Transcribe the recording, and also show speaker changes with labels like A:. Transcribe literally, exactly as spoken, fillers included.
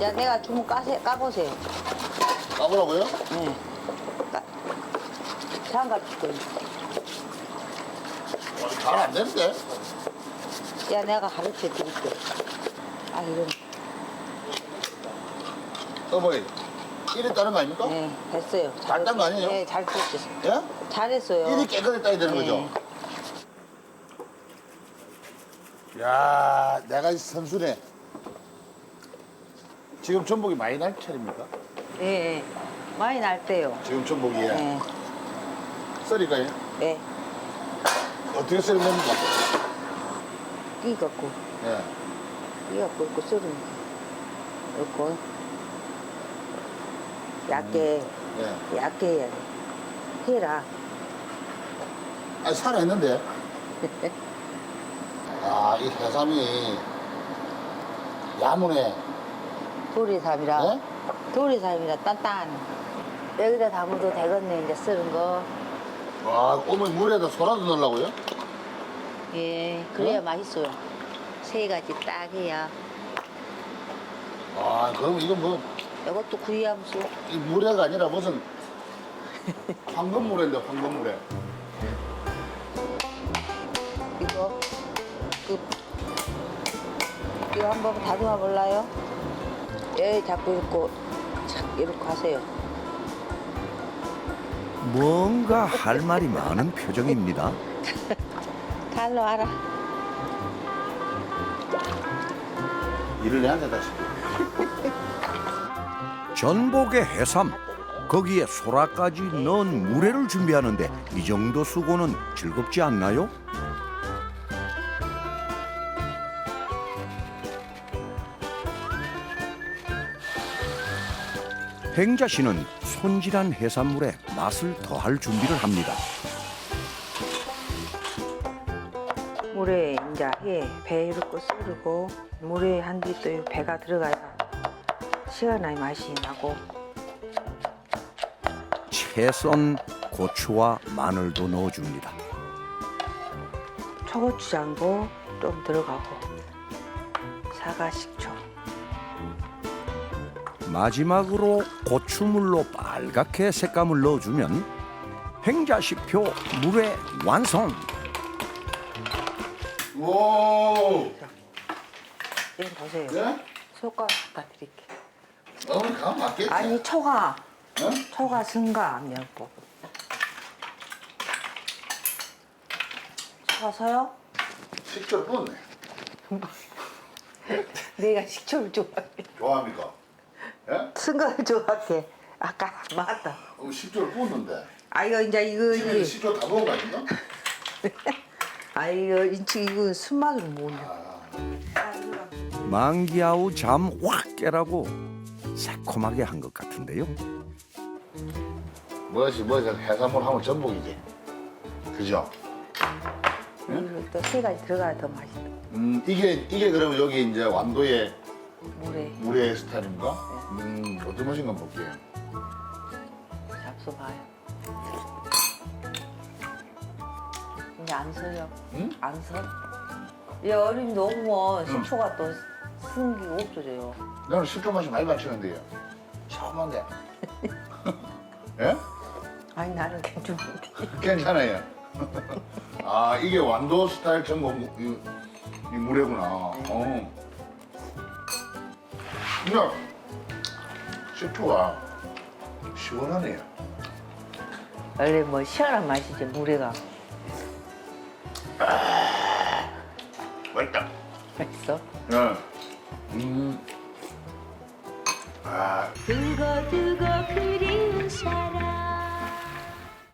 A: 야, 내가 주문 까세, 까보세요.
B: 까보라고요?
A: 네. 까, 장갑 줄 거예요.
B: 잘 안 되는데?
A: 야, 내가 가르쳐 드릴게. 아, 이런.
B: 어머니, 이랬다는 거 아닙니까?
A: 네, 됐어요.
B: 잘 딴 거 아니에요?
A: 네, 잘 됐어요.
B: 예?
A: 잘했어요.
B: 일이 깨끗했다야 되는
A: 네.
B: 거죠? 야, 내가 선수네. 지금 전복이 많이 날 차례입니까?
A: 예, 예. 많이 날 때요.
B: 지금 전복이
A: 예.
B: 썰일까요?
A: 예.
B: 어떻게 썰면 됩니까?
A: 끼 갖고,
B: 예.
A: 끼 갖고 이렇게 썰으면 돼. 이렇게. 얇게,
B: 예.
A: 얇게 해야 돼. 해라.
B: 아, 살아있는데. 아, 이 해삼이 야무네.
A: 도리삼이라.
B: 네?
A: 도리삼이라 단단. 여기다 담아도 되겠네, 이제 썰은 거.
B: 와, 어머니 물에다 소라도 넣으려고요?
A: 예, 그래야
B: 어?
A: 맛있어요. 세 가지 딱 해야.
B: 아, 그럼 이건 뭐,
A: 이것도 구이함수.
B: 이 물회가 아니라 무슨 황금물회인데, 황금물회.
A: 이거, 그, 이거 한번 다듬어 볼라요? 예, 자꾸 이렇게, 착, 이렇게 하세요.
C: 뭔가 할 말이 많은 표정입니다.
A: 칼로 알아.
B: 일을 내한테 다시.
C: 전복에 해삼, 거기에 소라까지 넣은 물회를 준비하는데 이 정도 수고는 즐겁지 않나요? 행자 씨는 손질한 해산물에 맛을 더할 준비를 합니다.
A: 물에 이제 해, 배 이렇게 썰고 물에 한 뒤 또 배가 들어가야 시원하게 맛이 나고.
C: 채 썬 고추와 마늘도 넣어줍니다.
A: 초고추장도 좀 들어가고 사과 식초.
C: 마지막으로 고추물로 빨갛게 색감을 넣어주면 행자시표 물회 완성!
B: 오!
A: 이거 보세요.
B: 예?
A: 숟가락 갖다 드릴게요.
B: 어머니 가면 맞겠지?
A: 아니 초가
B: 어?
A: 초가 승가 면보. 초가 서요?
B: 식초를 부었네.
A: 내가 식초를 좋아해.
B: 좋아합니까? 예?
A: 승가를 좋아해. 아까 맞다.
B: 어, 식초를 부었는데.
A: 아 이거 이제 이거
B: 집에
A: 이거
B: 식초 다 부은 거 아닌가?
A: 아 이거 인치 이거 순맛을 모르.
C: 만기아우 잠 확 깨라고 새콤하게 한 것 같은데요.
B: 뭐지 뭐지 해산물 하면 전복이지. 그죠?
A: 이거 또 세 가지 들어가야 더 맛있다.
B: 음 이게 이게 그러면 여기 이제 완도의
A: 물에
B: 물회 스타일인가? 음 어떤 맛인가 한번 볼게요.
A: 잡숴봐요. 이제 안 서요.
B: 응?
A: 안 서? 이 얼음이 녹으면 식초가 또 승기가 없어져요.
B: 나는 식초 맛이 많이 맞추는데요. 처음인데. 예?
A: 아니 나는 괜찮은데.
B: 괜찮아요. 아 이게 완도 스타일 전복 이, 이 물회구나. 어. 근데 식초가 시원하네요.
A: 원래 뭐 시원한 맛이지 물회가.
B: 맛있다.
A: 맛있어?
B: 네. 음. 아.
D: 두고두고 그리운 사람